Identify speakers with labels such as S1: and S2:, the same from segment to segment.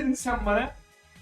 S1: dedin sen bana?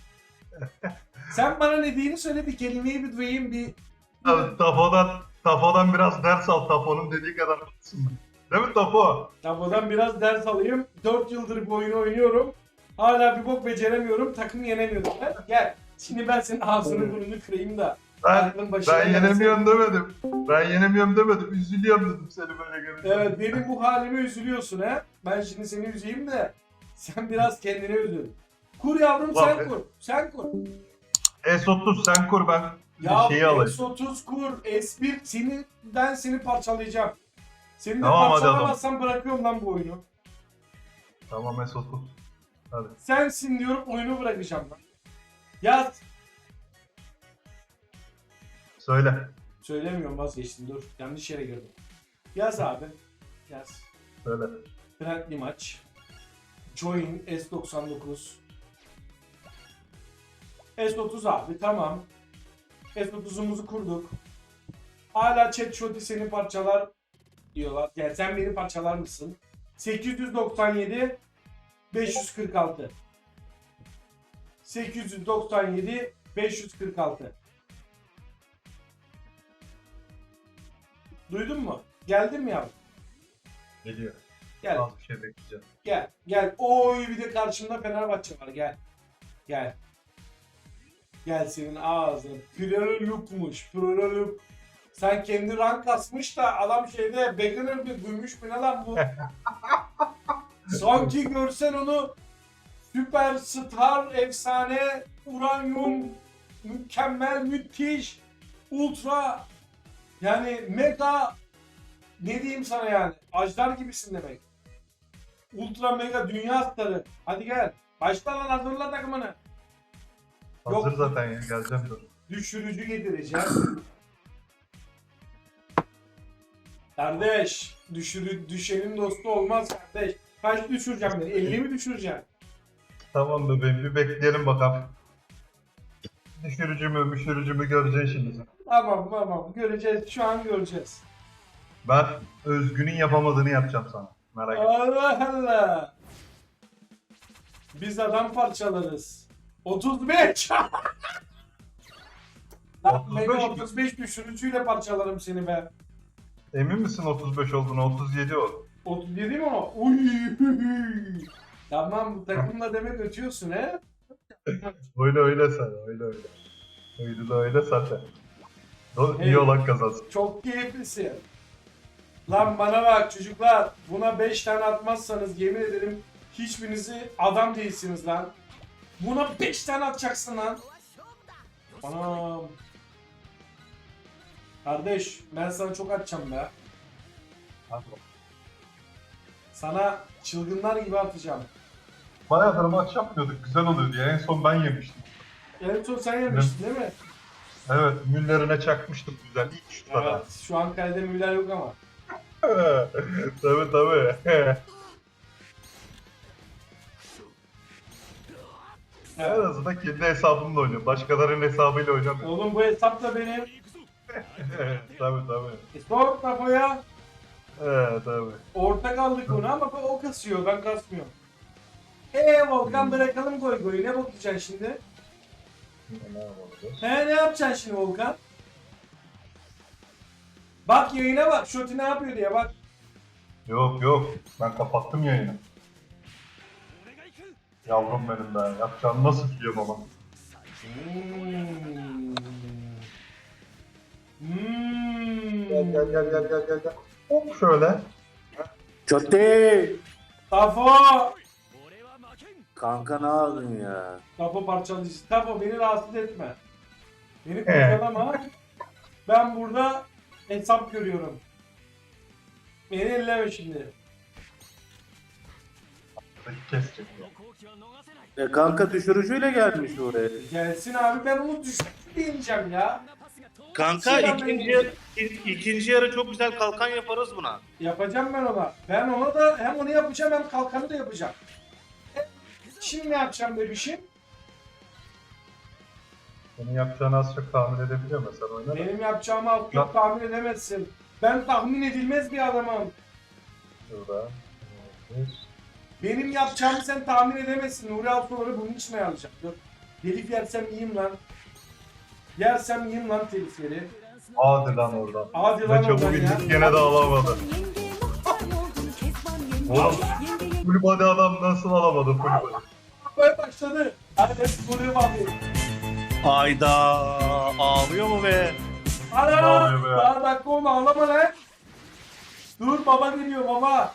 S1: Sen bana ne dediğini söyle, bir kelimeyi bir duyayım bir.
S2: Abi, Tafo'dan biraz ders al. Tafo'nun dediği kadar olsun. Değil mi Tafo?
S1: Tabodan biraz ders alayım. 4 yıldır bu oyunu oynuyorum. Hala bir bok beceremiyorum. Takım yenemiyorum. Gel. Şimdi ben senin ağzını burnunu kırayım da. Aklın başına
S2: Ben
S1: gelsin.
S2: yenemiyorum demedim. Ben yenemiyorum demedim. Üzülüyorum dedim seni böyle görünce.
S1: Evet, benim bu halime üzülüyorsun ha. Ben şimdi seni üzeyim de sen biraz kendine üzül. Kur yavrum,
S2: Ulan
S1: sen
S2: be.
S1: kur. Sen kur.
S2: S30 sen kur, ben
S1: Ya
S2: bir şeyi alayım.
S1: S30 kur, S1 ben seni parçalayacağım. Seni de
S2: Tamam, hadi
S1: parçalamazsam bırakıyorum lan bu oyunu.
S2: Tamam S30. Hadi.
S1: Sensin diyorum, oyunu bırakacağım lan. Yaz.
S2: Söyle.
S1: Söylemiyorum, vazgeçtim, dur. Yanlış yere girdim. Yaz abi. Yaz.
S2: Söyle.
S1: Friendly maç. Join S99. S30 abi, tamam. S30'umuzu kurduk. Hala chat shot'i seni parçalar diyorlar. Yani sen beni parçalar mısın? 897 546. 897 546. Duydun mu? Geldin mi yavrum?
S2: Geliyor.
S1: Gel.
S2: Az bir şey bekleyeceğim.
S1: Gel. Gel. Oy, bir de karşımda Fenerbahçe var. Gel. Gel. Gel, senin ağzına. Prolukmuş. Proluk. Sen kendi rank kasmış da adam şeyde beginner bir duymuş mu ne lan bu? Sanki görsen onu süperstar, efsane, uranyum, mükemmel, müthiş, ultra, yani mega, ne diyeyim sana yani, ajdar gibisin demek. Ultra mega dünya starı. Hadi gel. Başla lan, hazırla takımını.
S2: Hazır
S1: Yok.
S2: zaten ya, geleceğim dur.
S1: Düşürücü getireceğim. Kardeş, düşenin dostu olmaz kardeş. Kaç düşüreceğim beni? 50 mi düşüreceğim?
S2: Tamam bebeğim, bir bekleyelim bakalım. Düşürücü mü göreceksin şimdi sen.
S1: Tamam, göreceğiz, şu an göreceğiz.
S2: Ben Özgün'ün yapamadığını yapacağım sana. Merak etme.
S1: Allah Allah. Biz adam parçalarız. 35. Lan
S2: 35
S1: beni
S2: mi?
S1: 35 düşürücüyle parçalarım seni be.
S2: Emin misin 35 olduğunu? 37 o.
S1: 37 mi o? Uy. Tamam, bu takımla demek ötüyorsun he?
S2: Öyle sen, öyle. Öyle zaten.
S1: Hey.
S2: İyi olan kazansın.
S1: Çok keyiflisin. Lan bana bak çocuklar, buna 5 tane atmazsanız yemin ederim hiçbirinizi adam değilsiniz lan. Buna 5 tane atacaksın lan. Anam. Kardeş, ben sana çok atacağım be. Sana çılgınlar gibi atacağım.
S2: Bayağıdır maç yapmıyorduk. Güzel oluyordu ya. En son ben yemiştim.
S1: En son sen yemiştin değil mi?
S2: Evet, Müller'ine çakmıştım güzel. İlk şutlara.
S1: Evet. Şu an kalede Müller yok ama.
S2: Tabii. En
S1: Evet.
S2: azından kendi hesabımla oynuyorum. Başkalarının hesabıyla oynamıyorum.
S1: Oğlum bu hesap da benim.
S2: Tabii.
S1: Sor kafaya.
S2: Tabii.
S1: Orta kaldık onu ama o kasıyor, ben kasmıyorum. Volkan, bırakalım goy, ne bakacaksın şimdi?
S2: Ne yapalım?
S1: Ne yapacaksın şimdi Volkan? Bak yayına bak, Şoti ne yapıyor diye bak.
S2: Yok. Ben kapattım yayını. Yavrum benim be. Yapacağını nasıl biliyorum ama. Gel. Hop şöyle.
S3: Kötü.
S1: Tafo!
S3: Kanka ne yaptın ya?
S1: Tafo parçalayıcı. Tafo, beni rahatsız etme. Beni kurcalama. Ben burada hesap görüyorum. Beni elleme şimdi.
S2: Kesecek.
S3: Kanka düşürücüyle gelmiş oraya.
S1: Gelsin abi, ben onu düşük diyeceğim ya.
S3: Kanka
S1: Selam
S3: ikinci yarı çok güzel kalkan yaparız buna.
S1: Yapacağım ben ona. Ben ona da hem onu yapacağım hem kalkanı da yapacağım. Şimdi ne yapacağım bebişim?
S2: Senin yapacağını az çok tahmin edebiliyorum sen oyna da.
S1: Benim yapacağımı az çok tahmin edemezsin. Ben tahmin edilmez bir adamım.
S2: Şurada.
S1: Benim yapacağımı sen tahmin edemezsin. Nuri Altuğ'ları bunun için ayarlayacak. Dur. Telif yersem yiyeyim lan. Yersem yiyeyim lan telifleri.
S2: Hadi lan oradan.
S1: Hadi lan
S2: Ve çabuk
S1: oradan ya.
S2: indik gene de alamadı. Oğlum full body adam nasıl alamadı full body?
S1: Böyle başladı. Hadi soruyu bağlayayım.
S3: Ayda ağlıyor mu be?
S1: Ana!
S2: Ne oluyor be ya?
S1: Daha dakika olma ağlama lan. Dur baba geliyor baba.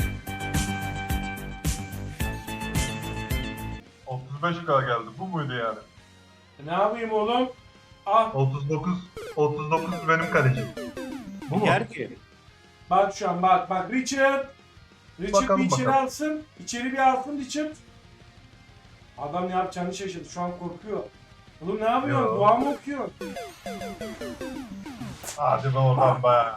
S2: 35k geldi. Bu muydu yani?
S1: Ne yapayım oğlum? Ah
S2: 39 benim kalecim. Bu mu?
S3: Yer ki.
S1: bak şu an bak Richard. Richard
S2: Bakalım,
S1: bir içeri
S2: bakalım.
S1: alsın. İçeri bir alsın Richard. Adam ne yapacağını şaşırdı. Şu an korkuyor. Oğlum ne yapıyorsun?
S2: Yo.
S1: Dua mı okuyorsun?
S2: Hadi be oradan be.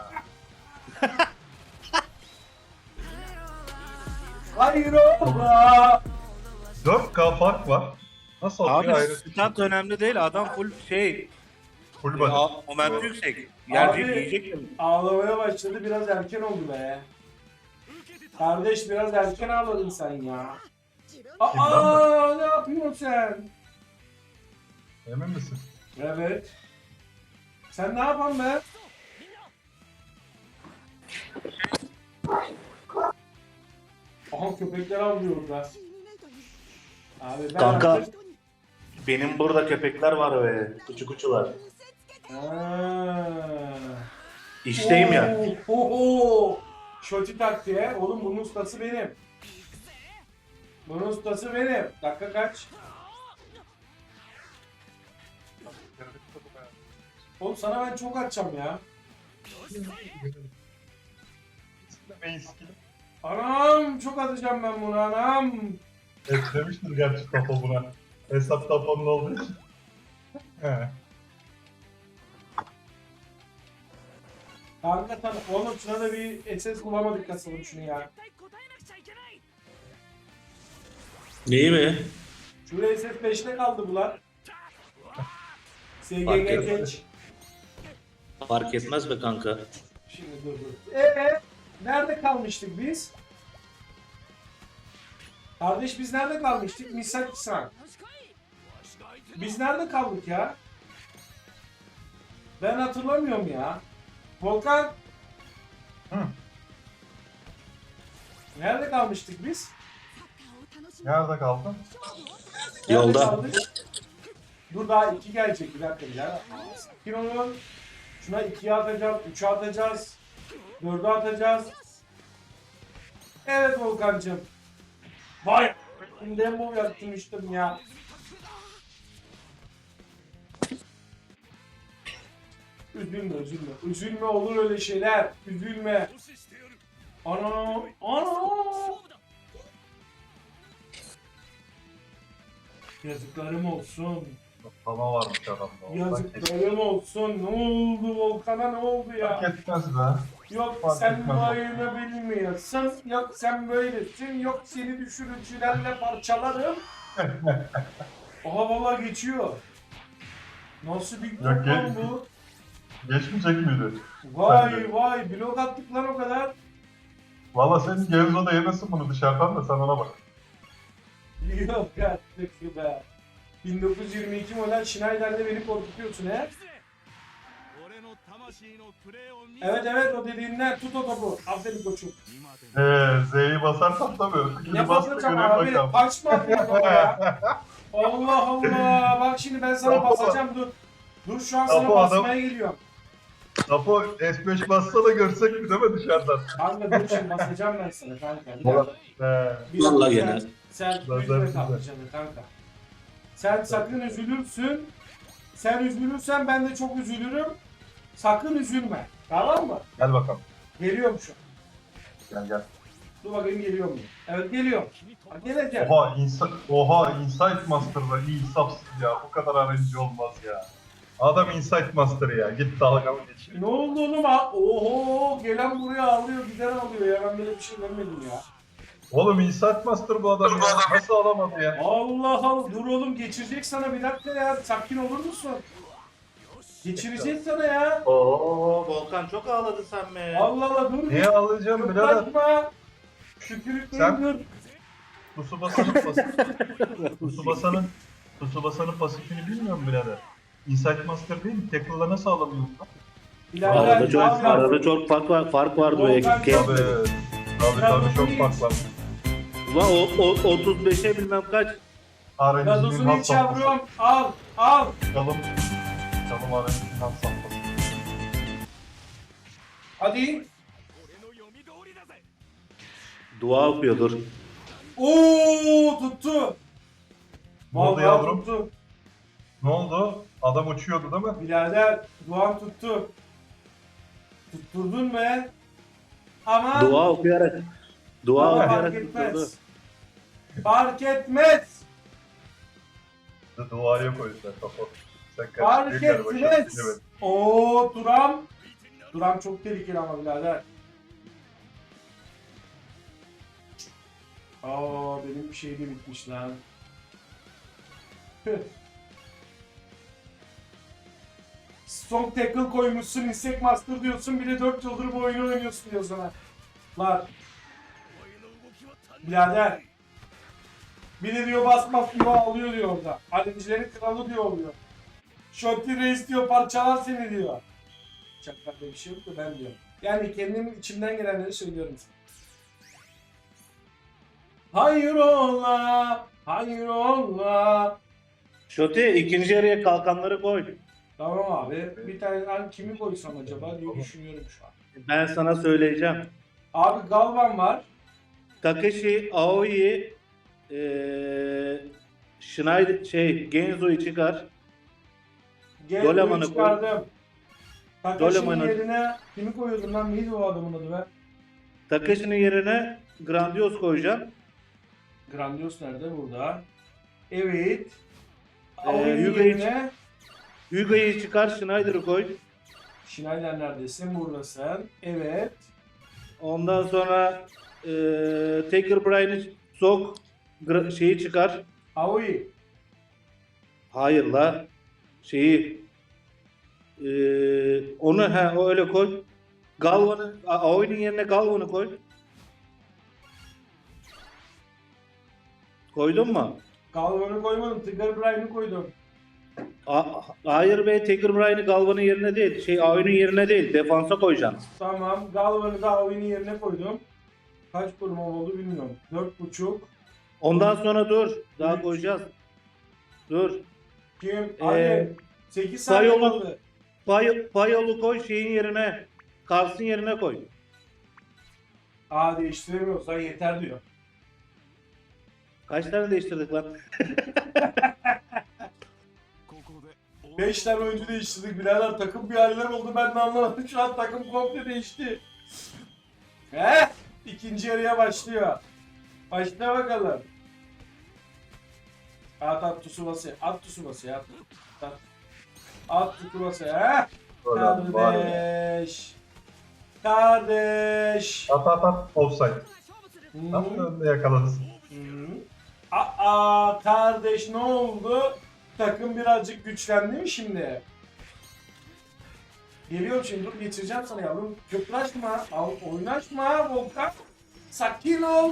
S1: Hayır ola.
S2: 4k fark var. Nasıl
S3: Abi
S2: atıyor ayrı?
S3: stat önemli değil. Adam full şey.
S2: Full body.
S3: Momentu yüksek. Yerde
S1: Abi.
S3: yiyecek mi?
S1: Ağlamaya başladı. Biraz erken oldu be. Kardeş biraz erken ağladın sen ya. Aa ne yapıyorsun sen?
S2: Emin misin?
S1: Evet. Sen ne yapan be? Aha köpekler avlıyor orada. Abi ben
S3: Kanka.
S1: artık...
S3: Benim burada köpekler var be. Kuçu kuçular.
S1: Aa.
S3: İşteyim ya.
S1: Oho. Şoti taktiğe. Oğlum bunun ustası benim. Bunun ustası benim. Dakika kaç? Oğlum sana ben çok atacağım ya.
S2: Main skill.
S1: Anam çok atacağım ben bunu anam.
S2: Eklemiştir gerçi tapo buna. Hesap taponun olduğu için. He.
S1: Kanka tamam. Oğlum şuna da bir SS bulamadık kasalım şunu ya.
S3: Neyi mi?
S1: Şuraya SS 5'te kaldı bular. SGG
S3: Fark etmez.
S1: geç.
S3: Fark etmez be kanka.
S1: Şimdi dur. Nerede kalmıştık biz? Kardeş biz nerede kalmıştık? Misaki-san. Biz nerede kaldık ya? Ben hatırlamıyorum ya. Volkan.
S2: Hı.
S1: Nerede kalmıştık biz?
S2: Nerede kaldın?
S1: Nerede
S3: Yolda.
S1: kaldık? Dur daha 2 gelecek bir dakika ya. Sakin olun. Şuna 2'ye atacağız, 3'e atacağız, 4'e atacağız. Evet Volkan'cığım. Vay! Şimdi bu yaptırmıştım ya. Üzülme. Üzülme olur öyle şeyler. Üzülme. Ana! Yazıklarım olsun.
S2: Tava varmış adamda.
S1: Yazıklarım olsun. Ne oldu Volkan'a ne oldu ya?
S2: Fark etmez be.
S1: Yok
S2: Fark
S1: sen
S2: etmez.
S1: bayını bilmiyorsun. Yok sen böylesin. Yok seni düşürücülerle parçalarım. Aha valla geçiyor. Nasıl bir
S2: Yok,
S1: top lan
S2: geç.
S1: bu?
S2: Geçmeyecek miydi?
S1: Vay blok attık lan o kadar.
S2: Valla senin Gevzo'da yemesin bunu dışarıdan da sen ona bak.
S1: Yok artık be. 1922 model Schneider'de beni korkutuyorsun he. Evet o dediğinden tut o topu. Aferin koçum.
S2: Z'yi basarsan tabii.
S1: Ne basacağım abi? Kaç mı atıyor baba ya? Allah Allah. Bak şimdi ben sana
S2: Topu-
S1: basacağım dur. Dur şu an sana
S2: Topu adam-
S1: basmaya geliyorum.
S2: Tapo S5 bassa da görsek mi değil mi dışarıdan?
S1: Kanka dur şimdi basacağım ben sana kanka. Bir dakika. Bir
S3: Vallahi
S1: dakika,
S3: gene.
S1: Sen
S2: Lazer
S1: üzme
S2: size.
S1: kalkacaksın kanka. Sen sakın üzülürsün. Sen üzülürsen ben de çok üzülürüm. Sakın üzülme. Tamam mı?
S2: Gel bakalım.
S1: Geliyorum şu an.
S2: Gel.
S1: Dur bakayım geliyor mu? Evet geliyorum. Ha, geleceğim.
S2: Oha Insight Master'da iyi insafsız ya. Bu kadar arayıcı olmaz ya. Adam Insight Master ya. Git dalgamı geç.
S1: Ne oldu oğlum ha? Oho gelen buraya ağlıyor giden ağlıyor ya ben böyle bir şey görmedim ya.
S2: Oğlum Insight Master bu adam ya. Nasıl alamadı ya?
S1: Allah Allah dur oğlum geçirecek sana bir dakika ya sakin olur musun? Geçirecek sana ya.
S3: Oo Volkan çok ağladı sen be.
S1: Allah Allah dur.
S2: Niye alacağım birader?
S1: Yaklaşma. Şükürlükleri
S2: Sen-
S1: dur.
S2: Tsubasa'nın pasifini bilmiyor musun birader? Insight Master değil mi? Tackle'la nasıl alamıyorsun lan?
S1: Birader
S3: Arada çok,
S1: ne yapıyorsun?
S3: arada çok fark vardı o
S1: Volkan
S3: ekip.
S1: çok-
S2: Tabii çok fark var.
S3: Ulan o 35'e bilmem kaç.
S2: RNG'nin
S1: Gazozunu
S2: has
S1: iç
S2: safhası.
S1: yavrum. Al. Al.
S2: Çalım RNG'nin has safhası.
S1: Hadi.
S3: Dua okuyordur.
S1: Oo tuttu.
S2: Ne oldu
S1: Vallahi
S2: yavrum?
S1: tuttu.
S2: Ne oldu? Adam uçuyordu değil mi?
S1: Birader Doğan tuttu. Tutturdun be. Ama
S3: Dua okuyarak. Dua
S1: ama
S3: okuyarak
S1: fark
S3: tutturdu.
S1: etmez. Fark etmez.
S2: Duaya koydular kafa. Sen
S1: Fark
S2: karıştırıyor galiba, şarkıyı
S1: etmez.
S2: bilemedim.
S1: Oo Duram. Duram çok tehlikeli ama birader. Aa benim bir şey de bitmiş lan. Tüh. Strong tackle koymuşsun, Insect Master diyorsun, bir de 4 yıldır bu oyunu oynuyorsun diyor sana. Lan. Birader. Bir de diyor basmaz diyor ağlıyor diyor orada. Alemcilerin kralı diyor oluyor. Shotty Reis diyor parçalar seni diyor. Çaklarda bir şey yok da ben diyorum. Yani kendim içimden gelenleri söylüyorum sana. Hayrola, hayrola.
S3: Şoti ikinci yarıya kalkanları koy.
S1: Tamam abi. Bir tane ben kimi koysam acaba diye düşünüyorum şu an.
S3: Ben sana söyleyeceğim.
S1: Abi Galvan var.
S3: Takeshi, Aoi, Schneider, Genzo'yu çıkar. Doleman'ı
S1: Doleman'ı
S3: koy.
S1: çıkardım. Takashi'nin
S3: Doleman'ı-
S1: yerine kimi koyuyordum lan? Neydi o adamın adı be?
S3: Takeshi'nin yerine Grandios koyacaksın.
S1: Grandios nerede? Burada. Evet.
S3: Hyuga'yı
S1: Aoi'nin yerine
S3: Hyuga'yı çıkar, Schneider'ı koy.
S1: Schneider neredesin? Buradasın. Evet.
S3: Ondan sonra Taker Bryan'ı sok, şeyi çıkar.
S1: Aoi.
S3: Hayır la. Onu o öyle koy. Galvan'ı, Aoi'nin yerine Galvan'ı koy. Koydun mu?
S1: Galvan'ı koymadım. Tigger Bryan'ı koydum.
S3: Hayır be, Taker Bryan'ı Galvan'ın yerine değil, Aoi'nin yerine değil, defansa koyacaksın.
S1: Tamam. Galvan'ı da Aoi'nin yerine koydum. Kaç kurum oldu bilmiyorum. 4.5.
S3: Ondan sonra dur, daha
S1: Üç.
S3: koyacağız. Dur.
S1: Kim? Hadi. 8 saniye
S3: Sayolu-
S1: kaldı.
S3: Payolu koy şeyin yerine, Kars'ın yerine koy.
S1: Aa değiştiremiyorsan yeter diyor.
S3: Kaç tane değiştirdik lan?
S1: 5 tane oyuncu değiştirdik birader. Takım bir haller oldu ben de anlamadım. Şu an takım komple değişti. İkinci yarıya başlıyor. Başla bakalım. At Tsubasa'ya. At Tsubasa'ya. At Tsubasa'ya.
S2: Böyle var ya.
S1: Kardeş. Kardeş.
S2: At. Offside.
S1: Hmm.
S2: Tam önünde yakaladın.
S1: Aa kardeş ne oldu? Takım birazcık güçlendi mi şimdi? Geliyorum şimdi dur geçireceğim sana yavrum. Köplaşma, oynaşma Volkan. Sakin ol.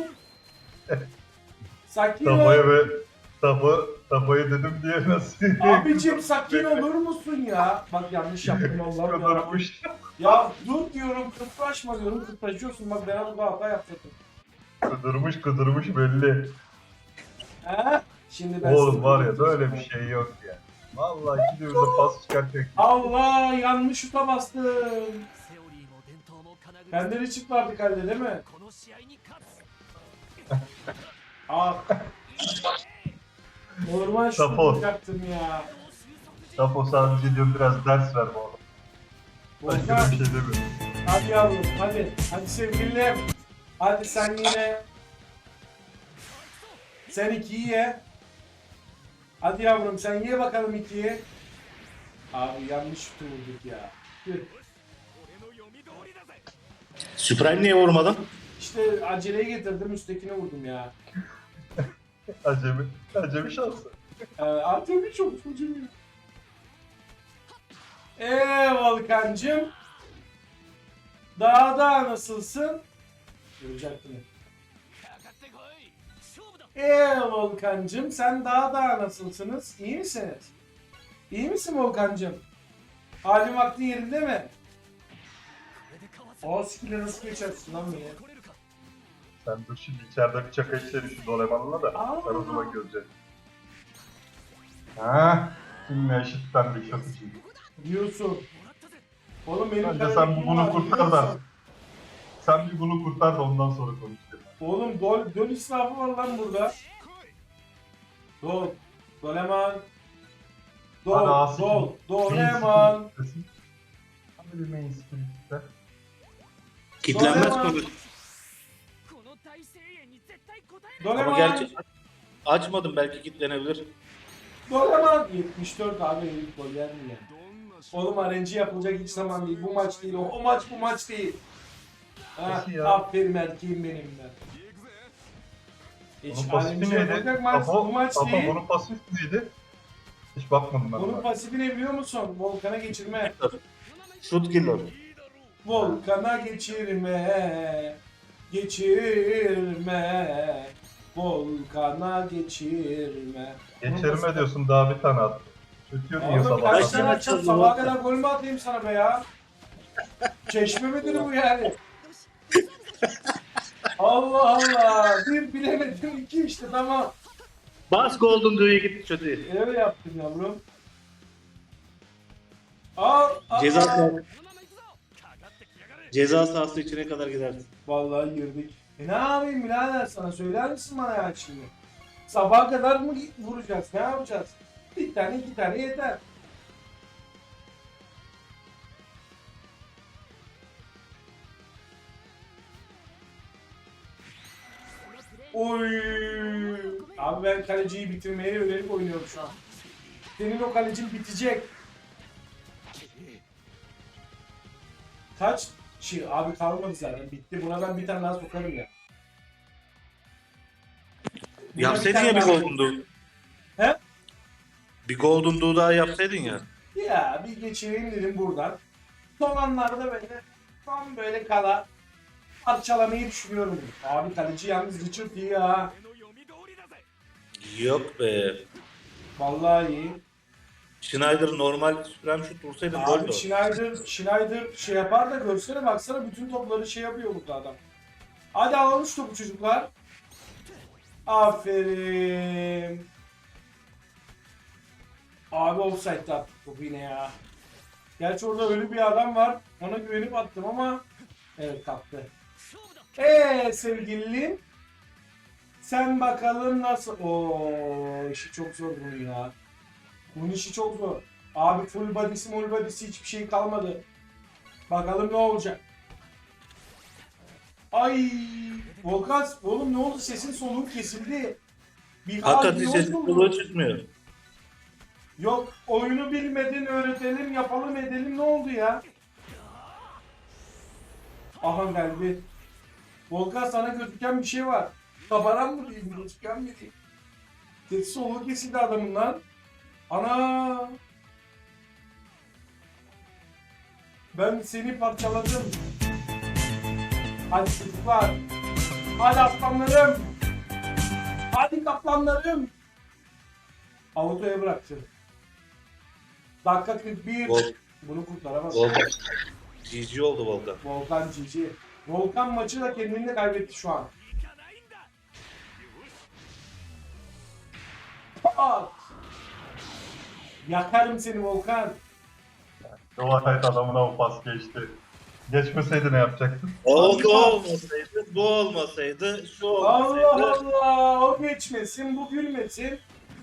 S1: Sakin
S2: Tafaya
S1: ol.
S2: ve tafayı dedim diye nasıl?
S1: Abicim sakin olur musun ya? Bak yanlış yaptım Allah'ım ya.
S2: Kudurmuş.
S1: Ya dur diyorum kıpraşma diyorum kıpraşıyorsun bak ben burada hata yaptım.
S2: Kudurmuş belli.
S1: He? Şimdi ben
S2: Oğlum
S1: sana
S2: var ya
S1: öğreteceğim.
S2: böyle bir şey yok ya. Vallahi iki de pas çıkartıyor.
S1: Allah yanlış şuta bastım. Bende de çift vardı kalede değil mi? Ah. Normal şut
S2: Tapo.
S1: yapacaktım ya.
S2: Tapo sadece diyorum biraz ders ver bu oğlum. Başka
S1: Volkan
S2: bir şey demiyorum.
S1: hadi yavrum hadi. Hadi sevgilim. Hadi sen yine. Sen 2'yi ye. Hadi yavrum sen ye bakalım 2'yi. Abi yanlış şutu vurduk ya. Tüh.
S3: Supreme niye vurmadın?
S1: İşte aceleye getirdim üsttekine vurdum ya.
S2: Acemi şansı.
S1: Artık bir çok çocuğum. Volkancım. Daha nasılsın? Görecektim. Volkancım sen daha nasılsınız? İyi misiniz? İyi misin Volkancım? Halin vaktin yerinde mi? O skill'e nasıl geçersin lan niye?
S2: Sen dur şimdi içeride bir çaka içeri şu Doraemon'la da
S1: Aa.
S2: sen o zaman göreceksin. Ha, kimle eşitlendik satıcı.
S1: Diyorsun. Oğlum benim
S2: Bence
S1: kadar
S2: sen
S1: ilgim
S2: bunu
S1: var,
S2: kurtar
S1: biliyor
S2: da.
S1: musun?
S2: Sen bir bunu kurtar da ondan sonra konuşalım.
S1: Oğlum döl israfı var lan burada. Dol. Doleman.
S2: Hadi Asi.
S1: Doleman.
S2: Hadi bir main spirit'te.
S3: Kitlenmez
S1: Doraemon.
S3: konu. Ama
S1: Doleman.
S3: gerçi açmadım, belki kitlenebilir.
S1: Doleman. 74 abi ilk gol yer mi ya? Oğlum RNG yapılacak hiç zaman değil. Bu maç değil. O maç bu maç değil. Ha,
S2: Peki ya.
S1: aferin erkeğim benim de. Hiç
S2: Bunun pasifi
S1: RNG
S2: neydi?
S1: yapılacak maç bu maç
S2: Apo,
S1: değil.
S2: bunun pasifi neydi? Hiç bakmadım ben
S1: Bunun
S2: ona.
S1: pasifi ne biliyor musun? Volkan'a geçirme.
S3: Shoot killer.
S1: Volkan'a geçirme. Geçirme. Volkan'a geçirme.
S2: Geçirme diyorsun daha bir tane attı. Çöküyor diyor
S1: Oğlum
S2: sabah.
S1: kaç
S3: Kaç
S1: tane
S3: tane
S1: açacağım?
S3: açalım
S1: Sabaha
S3: Volkan?
S1: kadar gol mü atayım sana be ya? Çeşme midir bu yani? Allah Allah. Bir bilemedim, iki işte tamam.
S3: Bas Golden Dewey'e git çocuğu.
S1: Öyle yaptım yavrum. Al.
S3: Ceza sahası içine kadar gidersin.
S1: Vallahi girdik. Ne yapayım birader sana söyler misin bana ya şimdi? Sabaha kadar mı vuracağız? Ne yapacağız? Bir tane iki tane yeter. Oy! Abi ben kaleciyi bitirmeye yönelik oynuyorum şu an. Senin o kalecin bitecek. Kaç şey abi kalmadı zaten bitti. Buna ben bir tane daha sokarım ya. Buna
S3: Yapsaydın
S1: tane
S3: ya bir
S1: daha-
S3: Golden Dew.
S1: He?
S3: Bir Golden Dew daha yapsaydın ya.
S1: Ya bir geçireyim dedim buradan. Son anlarda böyle tam böyle kala parçalamayı düşünüyorum. Abi kaleci yalnız Richard iyi ya.
S3: Yok be.
S1: Vallahi iyi.
S3: Schneider normal süren şut vursaydın gol de
S1: Abi
S3: o.
S1: Schneider şey yapar da görsene baksana bütün topları şey yapıyor burada adam. Hadi alalım şu topu çocuklar. Aferin. Abi offside'da attık topu yine ya. Gerçi orada ölü bir adam var. Ona güvenip attım ama evet kaptı. Sevgilim. Sen bakalım nasıl... Oo, işi çok zor bunun ya. Bunun işi çok zor. Abi full body'si hiçbir şey kalmadı. Bakalım ne olacak. Ay Volkan oğlum ne oldu sesin soluğun kesildi. Bir
S3: Hakikaten
S1: hal
S3: sesin
S1: yok mu?
S3: kulağı çıkmıyor.
S1: Yok oyunu bilmedin öğretelim yapalım edelim ne oldu ya? Aha geldi. Volkan sana gözüken bir şey var. Kabaran mı diyeyim gözüken mi diyeyim? Sesi soluğu kesildi adamın lan. Ana! Ben seni parçaladım. Hadi çocuklar. Hadi aslanlarım. Hadi kaplanlarım. Avutoya bıraktı. Dakika 41.
S3: Vol-
S1: Bunu kurtaramaz.
S3: Volkan. GG oldu Volkan.
S1: Volkan cici. Volkan maçı da kendini de kaybetti şu an. Pat! Yakarım seni Volkan.
S2: Doğatayt adamına o pas geçti. Geçmeseydi ne yapacaktın?
S3: O olmasaydı, bu olmasaydı, şu olmasaydı.
S1: Allah Allah! O geçmesin, bu gülmesin.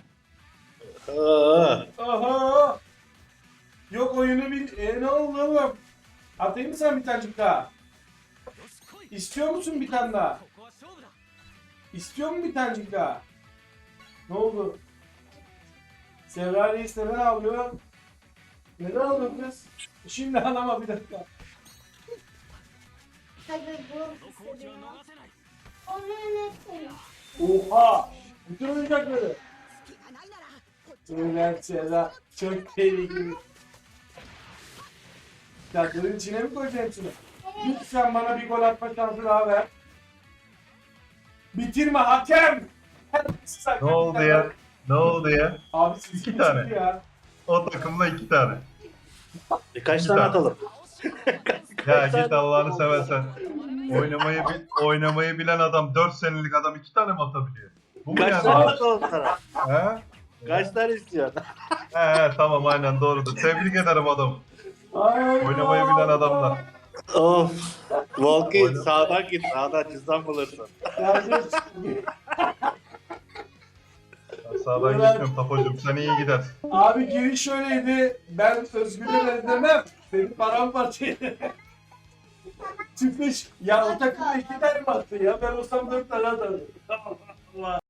S3: Aa,
S1: Aha! Yok oyunu bil... ne oldu oğlum? Atayım mı sen bir tanecik daha? İstiyor musun bir tane daha? İstiyor mu bir tanecik daha? Ne oldu? Sevra Reis neden ağlıyor? Neden ağlıyor kız? Şimdi ağlama bir dakika.
S4: Hadi bu hissediyorum. Onu yönetsene.
S1: Oha! Bütün oyuncakları. Evet Sevra. Çok tehlikeli. Oyuncakların içine mi koyacaksın şunu? Lütfen bana bir gol atma şansı daha ver. Bitirme hakem! Terbiyesiz
S2: Ne
S1: hakikaten
S2: oldu ya? Ne oldu ya?
S1: Abi siz
S2: İki
S1: kimsiniz
S2: tane.
S1: ya?
S2: O takımda 2 tane.
S3: Kaç tane atalım?
S2: Ya git Allah'ını seversen. Oynamayı bilen adam 4 senelik adam 2 tane mi atabiliyor? Bu mu
S3: Kaç
S2: yani?
S3: tane atalım sana?
S2: He?
S3: Kaç tane istiyorsun?
S2: He tamam aynen doğrudur. Tebrik ederim adam.
S1: Ay,
S2: Oynamayı bilen adamlar.
S3: Of. Volki
S2: Oyna-
S3: sağdan git. Sağdan cüzdan bulursun.
S1: yani,
S2: Ben sağdan
S1: Evet.
S2: gitmiyorum Tapocuğum. Sen iyi gidersin.
S1: abi giriş şöyleydi. Ben Özgür'e demem. Benim paramparça. Çıkmış. Ya o takımda 2 tane mi attı ya? Ben olsam 4 tane atardım. Allah Allah.